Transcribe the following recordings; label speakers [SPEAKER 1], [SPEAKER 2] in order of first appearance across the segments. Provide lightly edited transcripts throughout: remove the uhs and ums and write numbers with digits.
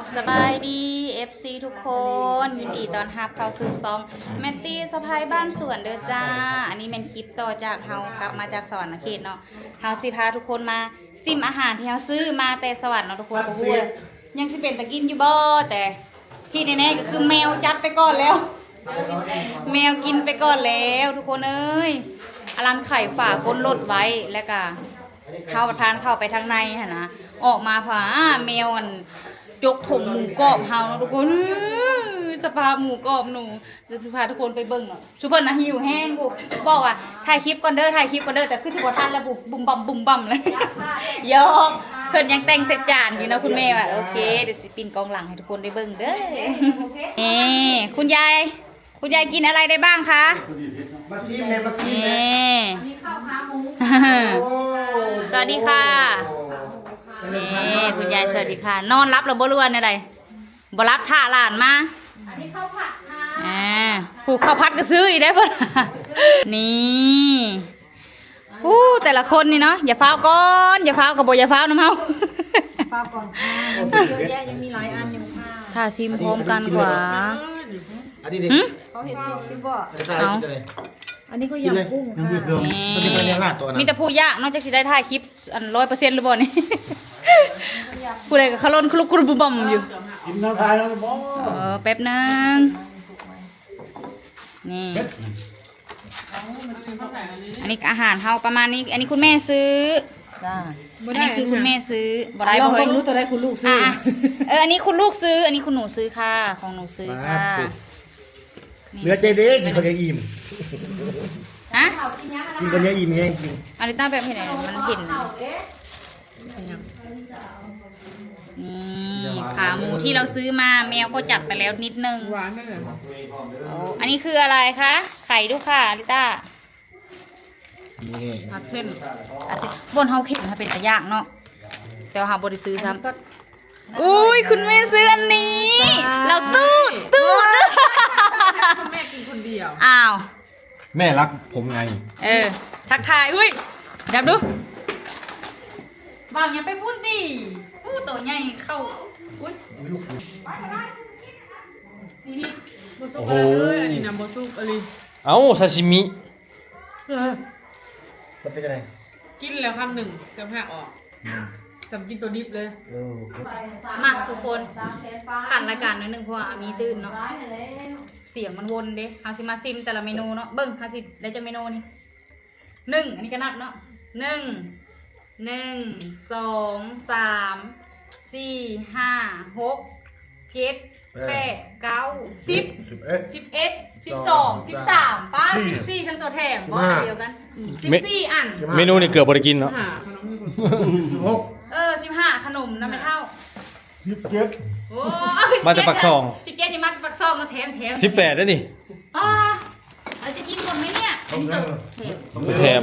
[SPEAKER 1] สบายดี FC ทุกคนยินดีต้อนรับเข้าสู่ซองแมตตี้สะพายบ้านสวนเด้อจ้าอันนี้เป็นคลิปต่อจากเฮากลับมาจากสวรรค์เขตเนาะเฮาสิพาทุกคนมาซิมอาหารที่เฮาซื้อมาแต่สวรรค์เนาะทุกคนโอ้ยยังสิเป็นตะกินอยู่บ่แต่ที่แน่ๆก็คือแมวจัดไปก่อนแล้วแมวกินไปก่อนแล้วทุกคนเอ้ยอลังไข่ฝาก้นรถไว้แล้วก็เข้าประทานเข้าไปทางในหั่นนะออกมาผาแมวมันยกถมหมูกรอบเฮาเนาะทุกคนสภาพหมูกรอบหนูจะพาทุกคนไปเบิ่งเนาะซุปเปอร์นะหิวแห้งปุ๊บบอกว่าถ่ายคลิปก่อนเด้อถ่ายคลิปก่อนเด้อแต่คือสิบ่ทันแล้วปุ๊บบุ้มบั่มเลยยอกเพิ่นยังแต่งเสร็จจานอยู่นะคุณแม่ว่าโอเคเดี๋ยวสิปินกองหลังให้ทุกคนได้เบิ่งเด้อคุณยายกินอะไรได้บ้างคะ
[SPEAKER 2] มาซีมเลยมาซีมเลย
[SPEAKER 1] มีข้าวขาหมูสวัสดีค่ะนี่คุณยายสวัสดีค่ะนอนรับหรือบ่รู้อะไรบ่รับท่าหลานมาอันนี้ข้าวผัดค่ะผูกข้าวผัดก็ซื้ออีกได้ป่ะนี่แต่ละคนนี่เนาะอย่าฟ้าวก่อนอย่าฟ้าวกับบ่อย่าฟ้าวน้ำเฮา
[SPEAKER 3] ฟ้าวก่อนเยอะแยะยังมีหลายอันอยู่ค่ะ
[SPEAKER 1] ถ้าซิมพร้อมกันกว่า
[SPEAKER 2] อันนี้ดิ
[SPEAKER 3] เขาเห็นชิมหรือเปล่า
[SPEAKER 1] เอา
[SPEAKER 3] อันนี้ก็ยำกุ้งค่ะ
[SPEAKER 1] มีแต่ผู้ยากนอกจากจะได้ถ่ายคลิป100%หรือเปล่านี่ผู้ใดกับเขาล้นคลุกคลุกบุบมอยู่
[SPEAKER 2] กินน้ำทายแล้วบ่
[SPEAKER 1] แป๊บนึงนี่อันนี้อาหารเฮาประมาณนี้อันนี้คุณแม่ซื้ออันนี้คือคุณแม่ซื้อบ่ได้
[SPEAKER 3] บ่เคยรู้ตัวได้คุณลูกซื้อ
[SPEAKER 1] อันนี้คุณลูกซื้ออันนี้คุณหนูซื้อค่ะของหนูซื้อค่ะ
[SPEAKER 2] เนื้อใจเด็กกินคนเดียวอิ่ม
[SPEAKER 1] ฮะ
[SPEAKER 2] กินคนเดียวอิ่มแห้งจริง
[SPEAKER 1] อันนี้ตั้งแบบเห็นไหนมันเห็นนี่ขาหมูที่เราซื้อมาแมวก็จัดไปแล้วนิดนึง
[SPEAKER 3] หวานไหมเนี่ย
[SPEAKER 1] อันนี้คืออะไรคะไข่ดูค่ะลิต้า
[SPEAKER 3] ผัดเส้น
[SPEAKER 1] บนเฮาเข็มถ้าเป็นตะย่างเนาะแต่ว่าเฮาบ่ได้ซื้อซ้ำอุ้ยคุณแม่ซื้ออันนี้เราตูด
[SPEAKER 3] คุณแม่กินคนเดียว
[SPEAKER 1] อ้าว
[SPEAKER 4] แม่รักผมไง
[SPEAKER 1] ทักทายอุ้ยจับดูวางอย่าไปพูดดิตัวใหญ่เข้าอุ้ย
[SPEAKER 4] โอ้โห
[SPEAKER 3] อันนี้น้ำบะซุปอะไร
[SPEAKER 4] เอ้าซาชิมิ
[SPEAKER 2] มันเป็นยังไง
[SPEAKER 3] กินแล้วคำหนึ่งจะแพ้ออกสำกินตัวดิบเลย
[SPEAKER 1] มาทุกคนขันรายการนิดนึงเพราะว่ามีตื่นเนาะเสียงมันวนเด้เฮาสิมาซิมแต่ละเมนูเนาะเบิ้งเฮาสิได้จะเมนูนี่1อันนี้ก็นับเนาะ1 2 3 4 5 6 7 8 9 10 11 12 13ป้า14ทั้งตัวแถมบ่เดียวกัน14อัน
[SPEAKER 4] เมนูนี่เกือบบริกินเนาะ
[SPEAKER 1] 15ขนมนะไม่เท่า
[SPEAKER 2] 17
[SPEAKER 1] โอ้
[SPEAKER 4] มาจากปักซอง
[SPEAKER 1] 17นี่มาจากปักซองมาแถม
[SPEAKER 4] 18แล้วนี่
[SPEAKER 1] เราจะกินหมดไหมเนี่ย
[SPEAKER 4] แถม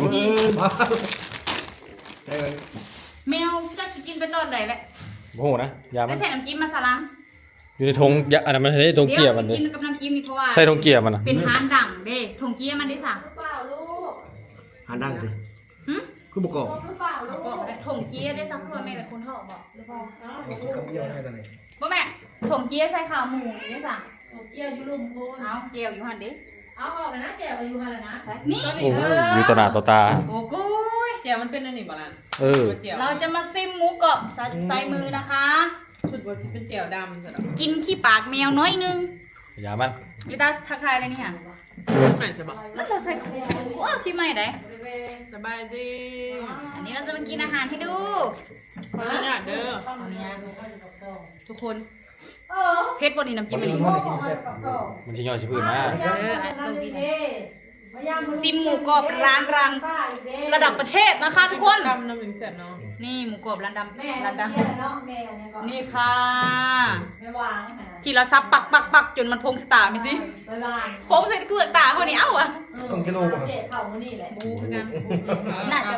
[SPEAKER 1] แมวจะกินเป็นตอนไหนแหละ
[SPEAKER 4] โอ้โหนะยามัน
[SPEAKER 1] ใส่น้ำจิ้มมาสลัง
[SPEAKER 4] อยู่ในธงอันนั้นมันใช้ธงเกียร์มันเลย
[SPEAKER 1] กินกับน้ำจิ้มนี่เพราะว่า
[SPEAKER 4] ใส่ธงเกียร์มันนะ
[SPEAKER 1] เป็นฮานดังเด้ธงเกียร์มันได้สั่ง
[SPEAKER 2] หาดังดิคือประกอบ
[SPEAKER 1] ถงเจี๊ยได้สักคนแม่เป็นคนทอดบอกหรือเปล่า
[SPEAKER 2] คำเดียวให้ตอนไหน
[SPEAKER 1] บ่แม่ถงเจี๊ยใส่ข้าวหมูได้สั่งถงเจี๊ยอยู่ลุมโบเอาเจียวอยู่หันดิเอาออกเลยนะเจียวอยู่หันเลยนะนี่
[SPEAKER 4] อยู่ต่อหน้าต่อตา
[SPEAKER 1] โอ้โห
[SPEAKER 3] เจียวมันเป็นอะไรบ้าง
[SPEAKER 1] เราจะมาซิมหมูกรอบใส่มือนะคะ
[SPEAKER 3] ชุดว่าจะเป็นเจียวดำ
[SPEAKER 1] กินขี้ปากแมวน้อยนึง
[SPEAKER 4] อย่ามัน
[SPEAKER 1] ลิต้าทักทายอะไรนี่ค่ะ
[SPEAKER 3] ไหนจะบอก
[SPEAKER 1] แล้วเราใส่ว้าวพี่ใหม่ไหน
[SPEAKER 3] สบายดี
[SPEAKER 1] อันนี้เราจะมากินอาหารให้ดู
[SPEAKER 3] ขออนุญาตเด้อ
[SPEAKER 1] ทุกคนเพชรบนนี้น้ำจิ้มอะไร
[SPEAKER 4] มันชิย่อยชิพื้นนะ
[SPEAKER 1] ต้องกินซิมหมูกรอบร้านรังระดับประเทศนะคะทุกคน
[SPEAKER 3] ดำน้ำหนึ่งเสร็จเนาะ
[SPEAKER 1] นี่หมูกรอบร้านดำร้านดำนี่ค่ะที่เราซับปักจนมันพงสตาร์มิติพงเสร็จคือตาเขาเนี่ยเอ้าอ่ะ
[SPEAKER 2] ต้องกิโลป่ะ
[SPEAKER 1] บูคือกันน่าจะ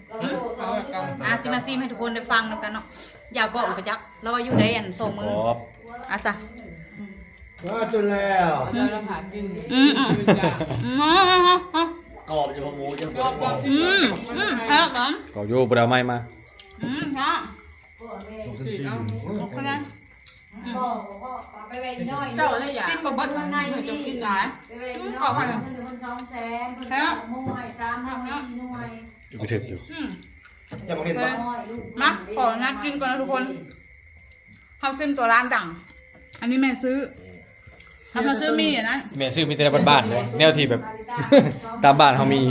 [SPEAKER 1] ซิมให้ทุกคนได้ฟังแล้วกันเนาะอย่ากอดไปจักเราอยู่ได้อันส่งมือจ้ะ
[SPEAKER 2] จนแล้ว
[SPEAKER 3] เราผ่ากิน
[SPEAKER 2] กรอบจะพอหมูจะกรอบ
[SPEAKER 1] ฮะก่อน
[SPEAKER 4] กรอบโย่ปลาไม้มา
[SPEAKER 1] ฮะโอเคนะ
[SPEAKER 5] ไว้น้อย
[SPEAKER 3] เจ้าอะไรอย่าง
[SPEAKER 1] ซิมบ่เบิด
[SPEAKER 5] ใน
[SPEAKER 1] เฮ้ย
[SPEAKER 5] นี่
[SPEAKER 1] จะกินหลาย
[SPEAKER 5] ไปไว้น้อยคน200,000คน2หน่วย3หน่วย
[SPEAKER 4] ไปถึกอยู่
[SPEAKER 1] อืม
[SPEAKER 2] อย่ามาเห็นว่า
[SPEAKER 1] มาขอนัดกินก่อนนะทุกคนเฮาซิมตัวร้านดัง อันนี้แม่ซื้อทำมาซื้อมีอ่ะนะ
[SPEAKER 4] แม่ซื้อมีแต่ในบ้านๆเลยแนวที่แบบ ตามบ้านเขามี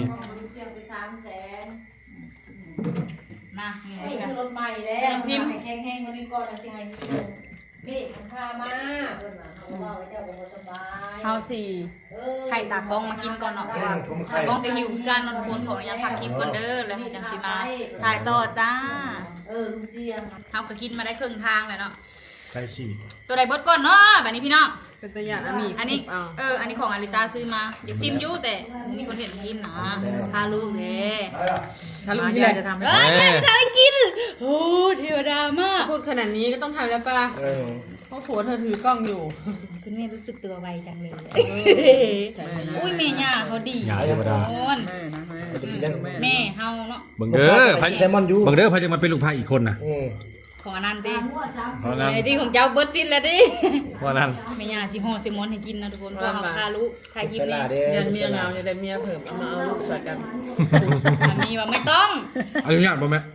[SPEAKER 1] มานี่
[SPEAKER 5] ไอ้
[SPEAKER 1] กัน
[SPEAKER 5] รถใหม่แล้วซิมแห้งๆวันนี้ก่อนสิให้นี่มันพามาเพิ่นว่าเขาว่าเจ้าบ่สบาย
[SPEAKER 1] เฮาสี่ไข่ตากล้องมากินก่อนเนาะเพราะว่าตากล้องจะหิวกันเนาะทุกคนขออนุญาตพักคลิปก่อนเด้อแล้วให้จังสิมาถ่ายต่อจ้า
[SPEAKER 5] ลูเซีย
[SPEAKER 1] เฮาก็กินมาได้ครึ่งทางแล้วเนาะ
[SPEAKER 2] ใช่สิ
[SPEAKER 1] ตัวใดเบิดก่อนเนาะแบบนี้พี่น้อง
[SPEAKER 3] เป็นตะยานอามี
[SPEAKER 1] อันนี้อันนี้ของอาริตาซื้อมาอยากซิมอยู่แต่มีคนเห็นกินนะพาลูกเลย
[SPEAKER 3] ถ้าลุงพี่ใหญ่จะทำให้
[SPEAKER 1] แม่จะทำให้กินโอ้เทวดามาก
[SPEAKER 3] พูดขนาดนี้ก็ต้องทำแล้วป่ะ
[SPEAKER 2] เออ
[SPEAKER 3] เพราะผัวเธอถือกล้องอยู่
[SPEAKER 1] คุณแม่รู้สึกตัวไวจังเลยอุ้ยแม่ย่าเขาดี
[SPEAKER 4] ย่าธรรมดา
[SPEAKER 1] โอน
[SPEAKER 3] แม่นะแม่
[SPEAKER 2] จะกินยัง
[SPEAKER 1] แม่เฮาเนาะ
[SPEAKER 4] เบิ่งเด้อไผ
[SPEAKER 2] แซลมอนยู
[SPEAKER 4] เบิ่งเด้อไผจะมาเป็นลูกพายอีกคนน่ะ
[SPEAKER 1] ของอันนั้นดิ
[SPEAKER 4] เพราะนั้น
[SPEAKER 1] ไอ้ที่ของเจ้าเบิร์ดซินแล้วดิ
[SPEAKER 4] เพราะนั้น
[SPEAKER 1] แม่ย่าสิห่อซิมอนให้กินนะทุกคนเพราะเขาพาลูกถ่ายคลิปนี้
[SPEAKER 3] ยันเมียเงาจะได้เมียเพิ่มเอามาเอาลูกใส่กัน
[SPEAKER 1] สามีว่าไม่ต้อง
[SPEAKER 4] อนุญาตบ่แม่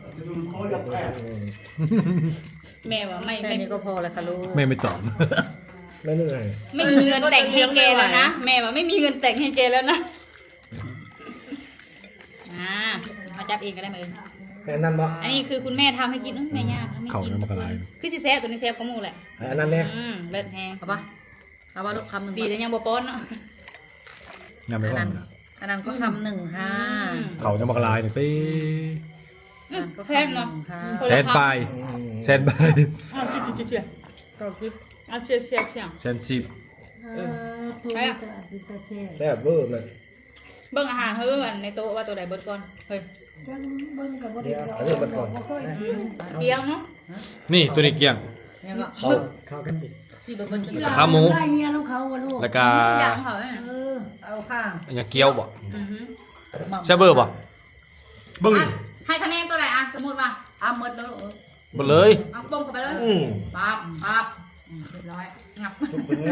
[SPEAKER 1] แม่ว่าไม่
[SPEAKER 3] แค่
[SPEAKER 1] ไม่
[SPEAKER 3] นี้ก็พอแล้วค่ะลูก
[SPEAKER 4] แม่ไม่ตอบ
[SPEAKER 2] ไม่เหนื่อย
[SPEAKER 1] ไม่มีเงินแต่งให้แกแล้วนะแม่ว่าไม่มีเงินแต่งให้แกแล้วนะมาจับเองก็ได้ไหม
[SPEAKER 2] แต่นั่นบ่
[SPEAKER 1] อันนี้คือคุณแม่ทำให้กินแม่ย่าทำให้
[SPEAKER 4] เขา
[SPEAKER 1] กิน
[SPEAKER 4] น้ำมันกระไร
[SPEAKER 1] คือสิแซฟตัวนี้แซฟก็มูแหละ
[SPEAKER 2] อันนั้นเนี่ย
[SPEAKER 1] เลิศแฮง
[SPEAKER 3] เอาป่ะเอาป่ะลูกคำหนึ่ง
[SPEAKER 1] ดีแต่ยังบ่ป้อนเนาะ
[SPEAKER 4] งานไม่ว่าง
[SPEAKER 3] อันนั้นก็คำหนึ่งค่ะ
[SPEAKER 4] เขาจะมากระไรนี่ไป
[SPEAKER 3] ก็
[SPEAKER 1] แพง
[SPEAKER 3] คำห
[SPEAKER 1] เนาะ
[SPEAKER 3] นึ่งค่ะ
[SPEAKER 4] แสนปลายแสนปลาย
[SPEAKER 1] เอาเชี่ย
[SPEAKER 3] ก็คลิป
[SPEAKER 1] เอาเชี่ย
[SPEAKER 4] แสนสิบ
[SPEAKER 1] ใช่อะ
[SPEAKER 2] แซ่บเวอร์มัน
[SPEAKER 1] เบิ่งอาหารเฮ้ยในโต๊ะว่าตัวใดเบิดก่อนเฮ้ย
[SPEAKER 2] เดี๋ยวอันนี้มันก่อน
[SPEAKER 1] เกี๊ยวเนาะ
[SPEAKER 4] นี่ตัวนี้เกี่ยง
[SPEAKER 3] เนี่ยก็
[SPEAKER 2] เข้ากันดิ
[SPEAKER 3] ที่เบิร์ดเป็น
[SPEAKER 4] ขาหมู
[SPEAKER 5] ได้เงี้ยน้องเขาลูก
[SPEAKER 4] แล้วก็
[SPEAKER 1] อย่างเขาเนี่ย
[SPEAKER 5] เอาข้าง
[SPEAKER 4] อย่างเกี๊ยวบ่
[SPEAKER 1] อือฮึ
[SPEAKER 4] ใช่เบอร์บ่เบิ่ง
[SPEAKER 1] อ่ะให้คะแนนตัวไหนอ่ะสมมติว่า
[SPEAKER 3] หมดแล้ว
[SPEAKER 4] บ่เลย
[SPEAKER 1] เอาปงเข้าไปเลย
[SPEAKER 2] อืม
[SPEAKER 1] ปั๊บเรียบร้อยงับ
[SPEAKER 2] ทุกคนเนี่ย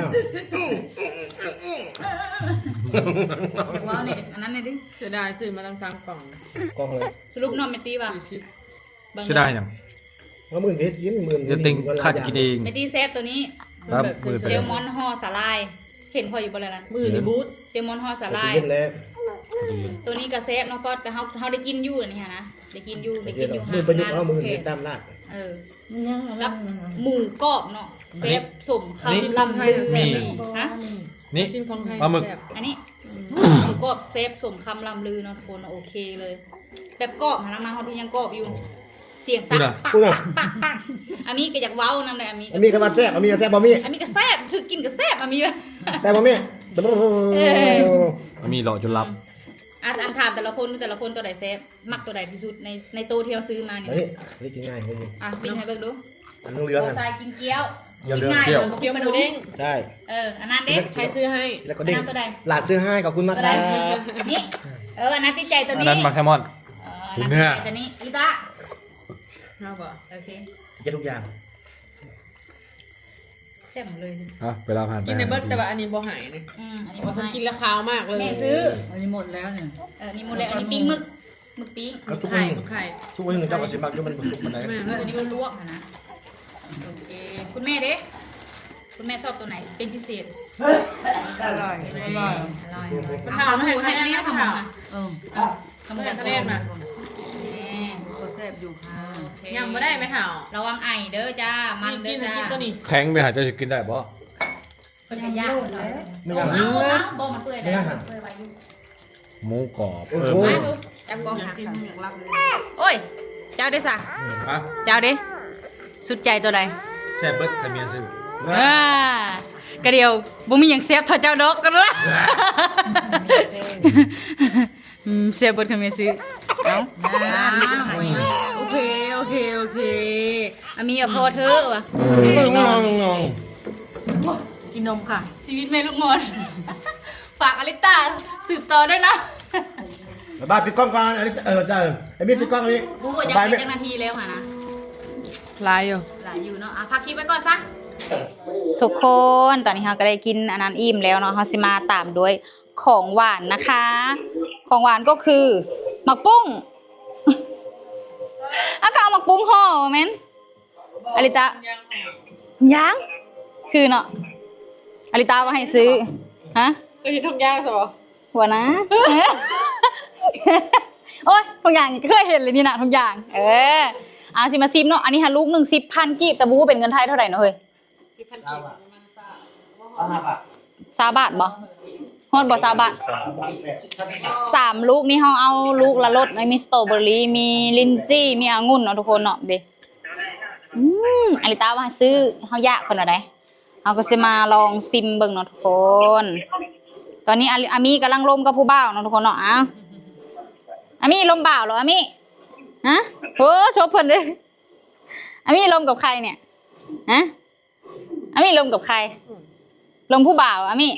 [SPEAKER 1] ว้าวนี่อันนั้นนี่ดิ
[SPEAKER 3] เสียดายซื้อมาตั้งกลางกล่อง
[SPEAKER 2] กล้องเลย
[SPEAKER 1] สรุปนอนเมตีป่ะ
[SPEAKER 3] 40
[SPEAKER 4] ใช่ได้ยัง
[SPEAKER 2] ว่ามื่นเพชรกินมื่น
[SPEAKER 4] เดี๋ยวติงข้าจะกินเอง
[SPEAKER 1] เมตีเซฟตัวนี้
[SPEAKER 4] ครับมือ
[SPEAKER 1] เซ
[SPEAKER 4] ไป
[SPEAKER 1] ลมอนห่อสาลาย เห็นพออยู่บนอะไรนั้น
[SPEAKER 3] มือในบูธ
[SPEAKER 1] เซลมอนห่อสา
[SPEAKER 2] กิ
[SPEAKER 1] ลาย
[SPEAKER 2] นแล้ว
[SPEAKER 1] ตัวนี้ก็เซฟเนาะก็แต่เขาได้กินอยู่อันนี้ฮะนะได้กินอยู่ได้
[SPEAKER 2] กิ
[SPEAKER 1] กิ
[SPEAKER 2] น
[SPEAKER 1] นอยู่
[SPEAKER 2] มื่นประยุก
[SPEAKER 1] งา
[SPEAKER 2] ต์เอามื่น
[SPEAKER 1] โอเค
[SPEAKER 2] เพชรตามลาด
[SPEAKER 1] เออกับหมูกรอบเนาะเซฟสม
[SPEAKER 4] อันนี้
[SPEAKER 1] คำลำลือ
[SPEAKER 4] มี
[SPEAKER 1] ฮะ
[SPEAKER 4] นี่
[SPEAKER 3] กินของไทย
[SPEAKER 4] ปลาหมึก
[SPEAKER 3] แซ่บ
[SPEAKER 1] อันนี้หมูกรอบเซฟสมคำลำลือเนาะทุกคนโอเคเลย แบบกรอบหาน้ำมันเขาดูยังกรอบอยู่ เสียงสั่นปักปักปักปักอามีก็อยากเว้านำเลยอามี
[SPEAKER 2] อันนี้ก็มาแซ่บอันนี้แซ่บบ่มี
[SPEAKER 1] อามีก็แซ่บถือกินก็แซ่บอามี
[SPEAKER 2] แซ่บบ่มี
[SPEAKER 4] มีหล่อจนรับ
[SPEAKER 1] อันถามแต่ละคนตัวใดแซ่บมักตัวใดที่สุดในโตที่เราซื้อมานี่
[SPEAKER 2] เฮ้ยนี่กินง่ายเลย
[SPEAKER 1] อ่ะปิ้งให้เบิ่งดู
[SPEAKER 2] อันเหลือง
[SPEAKER 1] โต
[SPEAKER 2] อ่ะ
[SPEAKER 1] ทรายกินเกี๊ยว
[SPEAKER 2] อย่า
[SPEAKER 1] กิ
[SPEAKER 2] เลือก
[SPEAKER 1] ง่าย
[SPEAKER 2] เปรี้ยว
[SPEAKER 1] เกี๊ยวหมูเด้ง
[SPEAKER 2] ใช่
[SPEAKER 1] อันนั้นเด้ง
[SPEAKER 3] ใครซื้อให้
[SPEAKER 2] แล้วก็เด้ง
[SPEAKER 1] อันนั้นตัวใด
[SPEAKER 2] หลานซื้อให้ขอบคุณมาก
[SPEAKER 1] ตัว
[SPEAKER 2] ค
[SPEAKER 1] ใด
[SPEAKER 2] รับ
[SPEAKER 1] นี่อันนั้นติดใจตัว
[SPEAKER 4] อัน
[SPEAKER 1] นี้
[SPEAKER 4] นั้นมักแซลมอน
[SPEAKER 1] อันนั้นติดใจตัวนี้ลิต้า
[SPEAKER 3] เอาบ่
[SPEAKER 1] โอเค
[SPEAKER 2] เก็บทุกอย่าง
[SPEAKER 1] แซ่บหมดเลย
[SPEAKER 4] อ่ะเวลาผ่านไป
[SPEAKER 3] กินในเบิร์ดแต่ว่าอันนี้บ่หายนี่
[SPEAKER 1] อันนี้
[SPEAKER 3] เพ
[SPEAKER 1] พอ
[SPEAKER 3] ราะฉัน
[SPEAKER 1] กิ
[SPEAKER 3] กิ
[SPEAKER 1] น
[SPEAKER 3] น
[SPEAKER 1] แล้ว
[SPEAKER 3] แล้วคาวมากเลย
[SPEAKER 1] แม่ซื้อ
[SPEAKER 3] อันนี้หมดแล้วเนี่ย
[SPEAKER 1] มีหมดเลยอันนี้ปิ้งหมึกปิ้ง
[SPEAKER 2] ก็ทุกค
[SPEAKER 3] ไข่
[SPEAKER 2] น
[SPEAKER 3] ไข่
[SPEAKER 2] ทุกคนหนึ่งเจ้าก็สิมักอยู่มันสุกมันได้
[SPEAKER 3] แม่
[SPEAKER 1] อันนี้ก็ลวกนะโอเคคุณแม่เด้คุณแม่ชอบตัวไหนเป็นพิเศษ
[SPEAKER 3] อร่อย
[SPEAKER 1] อร่อยถามหมูให้แม่ทำหมูนะทำหมู
[SPEAKER 3] แซ่บ
[SPEAKER 1] ทะ
[SPEAKER 3] เล่นมา
[SPEAKER 5] ก็แซ่บอยู่ค่ะ
[SPEAKER 3] ยังไม่ได้ไหมเถ่า
[SPEAKER 1] ระวังไอเด้อจ้ามันเด้
[SPEAKER 3] กิ
[SPEAKER 1] อน จ้า
[SPEAKER 3] กินตัวนี้
[SPEAKER 4] แข็งไปหาจะกินได้บ่
[SPEAKER 1] เป็นกระยากเลย
[SPEAKER 2] ไม่
[SPEAKER 1] เอา
[SPEAKER 2] ยาก
[SPEAKER 1] เอาบ่มันเปื่อย
[SPEAKER 2] ไม่
[SPEAKER 1] ได้
[SPEAKER 2] ยาก
[SPEAKER 4] หมูกรอบ
[SPEAKER 2] โอ้โห
[SPEAKER 1] มาดูจับกล้องหาโอ้ยเจ้าเด้สะ
[SPEAKER 4] อ่ะ
[SPEAKER 1] เจ้าเด้สุดใจตัวใด
[SPEAKER 4] แซ่บเบิดแต่เมียซื้อ
[SPEAKER 1] กระเดียวบ่มีหยังเซฟเท่าเจ้าดอกกันละเซฟเบิดคำเมซื้อเอาโอเคอามีกับพ่อเธอวะ
[SPEAKER 2] งง
[SPEAKER 3] กินนมค่ะ
[SPEAKER 1] ชีวิตแม่ลูกงอนฝากอลิต้าสืบต่อด้วยนะ
[SPEAKER 2] บ้านปิดกล้องก่อนอันนี้ได้ไอ้มีปิดกล้องอันนี้
[SPEAKER 1] กูก็ยัง
[SPEAKER 2] บาย
[SPEAKER 1] เป็
[SPEAKER 2] ไม่
[SPEAKER 1] นนาทีแล้วค่ะนะ
[SPEAKER 3] ลายอยู่
[SPEAKER 1] หลายอยู่เนาะพักคลิปไว้ก่อนซะทุกคนตอนนี้เราก็ได้กินอันนั้นอิ่มแล้วเนาะเราสิมาตามด้วยของหวานนะคะ ของหวานก็คือหมักปุ้ง อาก็เอาหมักปุ้งห่อแม่นอลิตายังคือเนาะอลิตามาให้ซื้อฮะ
[SPEAKER 3] ก็เห็นทองย่างสิบ่
[SPEAKER 1] หัวนะ โอ้ยทุกอย่างเคยเห็นเลยนี่นะทุกอย่างเอาสิมาซิมเนาะอันนี้ฮะลูกหนึ่ง10,000กีบแต่บูเป็นเงินไทยเท่าไหร่เนาะเฮ้ย
[SPEAKER 3] 10,000กีบประมาณ
[SPEAKER 1] 20 บาทบ่ฮอดบ่20 บาท3ลูกนี่เฮาเอาลูกละรสมีสตรอเบอรี่มีลินจี้มีองุ่นเนาะทุกคนเนาะเด้อลิตาว่าให้ซื้อเฮายากเพิ่นว่าได้เฮาก็สิมาลองซิมเบิ่งเนาะทุกคน ตอนนี้อามีกำลังลมกับผู้บ่าวเนาะทุกคนเนาะอามีลมบ่าวเหรออามีฮะโอ้ชอบเพิ่นเด้ออามีลมกับใครเนี่ยฮะอามีลมกับใครลมผู้บ่าวอามี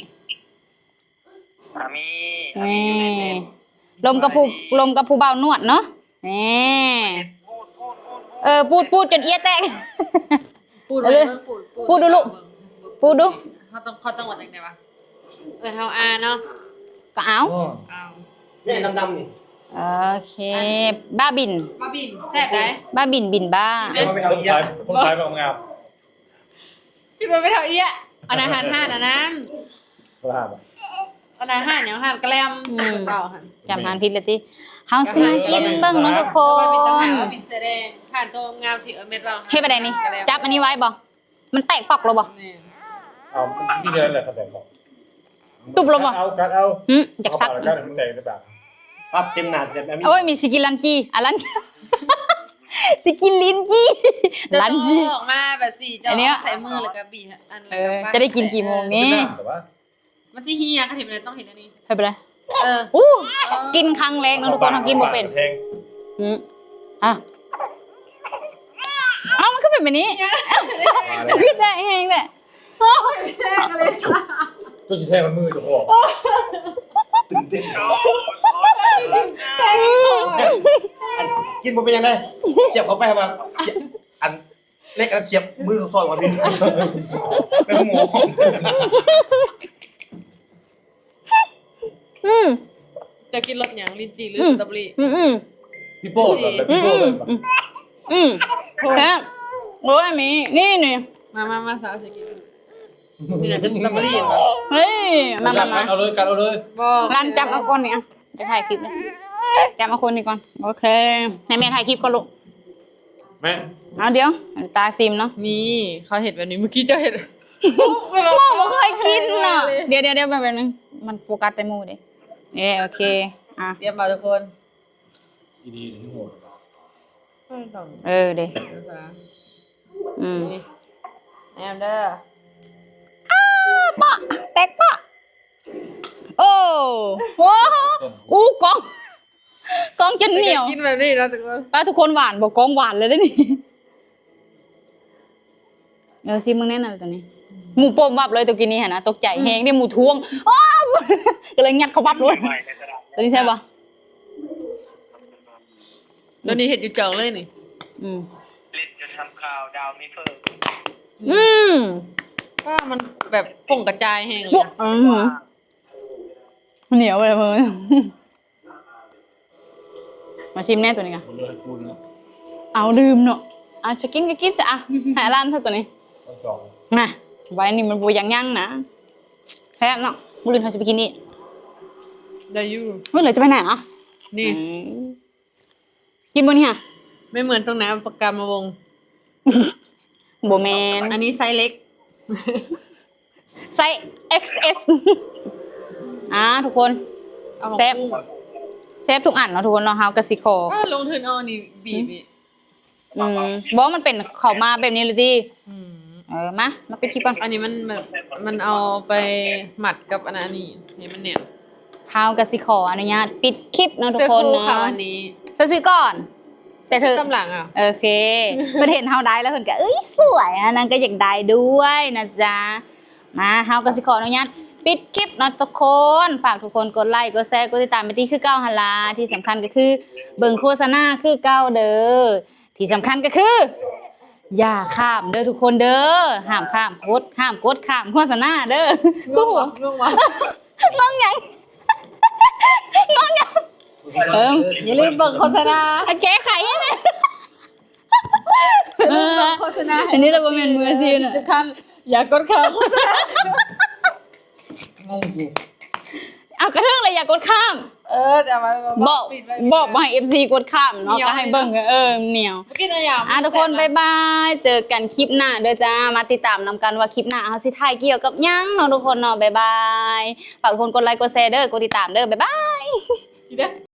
[SPEAKER 1] นี่ลมกับผู้บ่าวนวดเนาะนี่พูดจนเอี้ยแตก
[SPEAKER 3] ปูดเลยปูด
[SPEAKER 1] พูดดูลูกพูดดู
[SPEAKER 3] เขาต้องวัดยังไงวะเฮาเนาะ
[SPEAKER 1] ก็เอา
[SPEAKER 3] เอา
[SPEAKER 2] เนี่ยดำๆนี่
[SPEAKER 1] โอเคบ้าบิน
[SPEAKER 3] มาบินแซ่บได้
[SPEAKER 1] บ้าบินบินบ้า
[SPEAKER 2] เอาไปเอา
[SPEAKER 4] คน
[SPEAKER 2] เย
[SPEAKER 4] ขาย
[SPEAKER 2] อะ
[SPEAKER 4] คนขายแบบงาม
[SPEAKER 3] คิดว่าไม่เท่าเอี้ยอันอาหารห้านอันนั้น
[SPEAKER 4] คนห้าม
[SPEAKER 3] อันอาหารอย่างอาหารแกล้มเปล่าหัน
[SPEAKER 1] จำหานผิดเลยติเฮาสิมากินเบิ่งเนาะทุกค
[SPEAKER 3] มันเป็นตำแหน่
[SPEAKER 1] น
[SPEAKER 3] งว่าบินแสดงผ่านตัวงามที่เม็ดเรา
[SPEAKER 1] เฮ็ดไปได้นี่จับอันนี้ไว้บ่มันแตกปอกแล้วบ่
[SPEAKER 3] นี่
[SPEAKER 4] เอาที่เดินเลยครับแต่บอก
[SPEAKER 1] ตุบแล้วบ่
[SPEAKER 4] เอาการเอา
[SPEAKER 1] อยากซัก
[SPEAKER 4] การถึงแดงหรือเปล่า
[SPEAKER 2] ปั๊บเต็มหนาเต็มอันนี้
[SPEAKER 1] โอ้ยมีสกินลันจีลัน สกินลิ้นจี
[SPEAKER 3] จะ
[SPEAKER 1] ลั
[SPEAKER 3] ต้
[SPEAKER 1] น
[SPEAKER 3] อง
[SPEAKER 1] จี
[SPEAKER 3] ออกมาแบบสี่จะ
[SPEAKER 1] อันเนี้ย
[SPEAKER 3] ใส่มือแล้วก็บีอัน
[SPEAKER 1] จะได้กินกี่โมงนี่
[SPEAKER 4] แต่ว่า
[SPEAKER 3] มันจะเฮียค่ะเห็นเลยต้องเห็นอันนี้
[SPEAKER 1] ให้ไปเลย
[SPEAKER 3] เออ
[SPEAKER 1] อู้กินครั้งแรกเนาะทุกคนเฮากินบ่เป็น
[SPEAKER 4] แพง
[SPEAKER 1] อ่ะเอ้ามันก็เป็นแบบนี้มันก็ได้แห้งแหละ
[SPEAKER 4] ก็จะแทงมันมือจะพอ
[SPEAKER 2] ตื่นเต้นกินบ่เป็นยังไงเสียบเข้าไปมาอันเล็กอันเสียบมือเขาซอยกว่าพี่เป็นหมู
[SPEAKER 3] จะกินรสอย่างลินจีหรือสตรอเบอรี่
[SPEAKER 4] พี่โป้แบบพี่โป้เลย
[SPEAKER 1] แค่โอ้ยมีนี่นี่
[SPEAKER 3] มาสาวสิกินนี่แหละจะสตรอเบอรี่เหรอ
[SPEAKER 1] เฮ้ยมา
[SPEAKER 4] เอาเลยการเอาเลย
[SPEAKER 3] บอก
[SPEAKER 1] ร้านจับเอาก่อนเนี่ยจะถ่ายคลิปเลยจับเอาคนนี้ก่อนโอเคให้แม่ถ่ายคลิปก่อนลูก
[SPEAKER 4] แม่
[SPEAKER 1] เอาเดี๋ยวตาซิมเนาะ
[SPEAKER 3] นี่เขาเห็นแบบนี้เมื่อกี้เจ้าเห็น
[SPEAKER 1] หมูเคยกินเนาะเดี๋ยวแบบนึงมันโฟกัสแต่หมูดิโอเคอ่ะ
[SPEAKER 3] เตรียมมาทุกคน
[SPEAKER 4] ดีๆถึงหัว
[SPEAKER 3] ต้อง
[SPEAKER 1] เด้
[SPEAKER 3] แอมเด้อ
[SPEAKER 1] ปะแตกปะโอ้โหอู้กองจนเหนียว
[SPEAKER 3] กินแบบนี้แล้วทุกคน
[SPEAKER 1] ป้าทุกคนหวานบอกกองหวานเลยได้นี่ซิมึงแน่นอนตัวนี้หมูโป่งวับเลยตัวกินนี้เห็นนะตกใจแหงเนี่ยหมูท้วงอ้าวก็เลยงัดเขาวับเลยตัวนี้ใช่ปะ
[SPEAKER 3] ตัวนี้เห็ดอยู่จ่องเลยนี่
[SPEAKER 6] เล่นจนทำข่าวดาวไม่เฟิร์
[SPEAKER 3] ก็มันแบบป่งกระจายแห้งเลย
[SPEAKER 1] พวกเหนียวเลยมึงมาชิมแน่ตัวนี้กัน
[SPEAKER 4] เลยคุณ
[SPEAKER 1] เอาลืมเนาะจะกินก็กินซะหาร้านซะตัวนี้
[SPEAKER 4] ต้องสอง
[SPEAKER 1] น่ะไว้นี่มันบูยังนะแพ้เนาะบุรินเขาจะไปกินนี่
[SPEAKER 3] ได้ยู
[SPEAKER 1] เฮ้ยเหลือจะไปไหนอ่ะ
[SPEAKER 3] นี่
[SPEAKER 1] กินบนนี่ฮะ
[SPEAKER 3] ไม่เหมือนตรงไหนปากกามาวง
[SPEAKER 1] โบแมน
[SPEAKER 3] อันนี้ไซส์เล็ก
[SPEAKER 1] ไซส์ XS ทุกคน
[SPEAKER 3] เอามา
[SPEAKER 1] เซฟ เซฟทุกอันเนาะทุกคนเนาะเฮากะสิขอ
[SPEAKER 3] ก็ลงทุนเอานี่บีบอีก
[SPEAKER 1] บอกมันเป็นเขามาแบบนี้เลยดิมาเป็นคลิปก่อน
[SPEAKER 3] อันนี้มันแบบมันเอาไปหมัดกับอันนี้นี่มันเนี่ย
[SPEAKER 1] เฮากะสิขออนุญาตปิดคลิปเนาะทุ
[SPEAKER 3] เสื้
[SPEAKER 1] ก
[SPEAKER 3] อ
[SPEAKER 1] คน
[SPEAKER 3] คู่
[SPEAKER 1] เนาะ
[SPEAKER 3] ค่ะอันนี้
[SPEAKER 1] ซื้อก่อน แต่เธอก
[SPEAKER 3] ำลังอ่ะ
[SPEAKER 1] โอเคเพิ่นเห็นเฮาได้แล้วเพิ่นก็เอ้ยสวยอันนั้นก็อยากได้ด้วยนะจ๊ะมาเฮากะสิขออนุญาตปิดคลิปเนาะทุกคนฝากทุกคนกดไลค์กดแชร์กดติดตามไปที่คือเก้าหั่นล่ะที่สำคัญก็คือเบิ่งโฆษณาคือเก้าเด้อที่สำคัญก็คืออย่าข้ามเด้อทุกคนเด้อห้ามข้ามกดข้ามโฆษณาเด้อกูหัว
[SPEAKER 3] ง่วงวะ
[SPEAKER 1] งงหยังงงหยัง
[SPEAKER 3] อย่าลืมเบิ่งโฆษณา
[SPEAKER 1] แก้ไขให้แม่
[SPEAKER 3] โฆษณา
[SPEAKER 1] อันนี้เราบ่แม่นมืออาชีพน่ะ
[SPEAKER 3] ทุกท่านอย่ากดข้าม
[SPEAKER 2] งงกู
[SPEAKER 1] เอากระเทืองเลยอย่ากดข้าม
[SPEAKER 3] แต่ว่า
[SPEAKER 1] บอก
[SPEAKER 3] ปิดไว้
[SPEAKER 1] บอกบ่ให้ FC กดข้ามเนาะ
[SPEAKER 3] เหนียว
[SPEAKER 1] ก็ให้เบิ่งเหนียว
[SPEAKER 3] เมื่อกี้นะอย่าง
[SPEAKER 1] ทุกคนบ๊ายบายเจอกันคลิปหน้าเด้อจ้ามาติดตามนำกันว่าคลิปหน้าเฮาสิถ่ายเกี่ยวกับหยังเนาะทุกคนเนาะบ๊ายบายฝากทุกคนกดไลค์กดแชร์เด้อกดติดตามเด้อบ๊ายบาย
[SPEAKER 3] อีเด้อ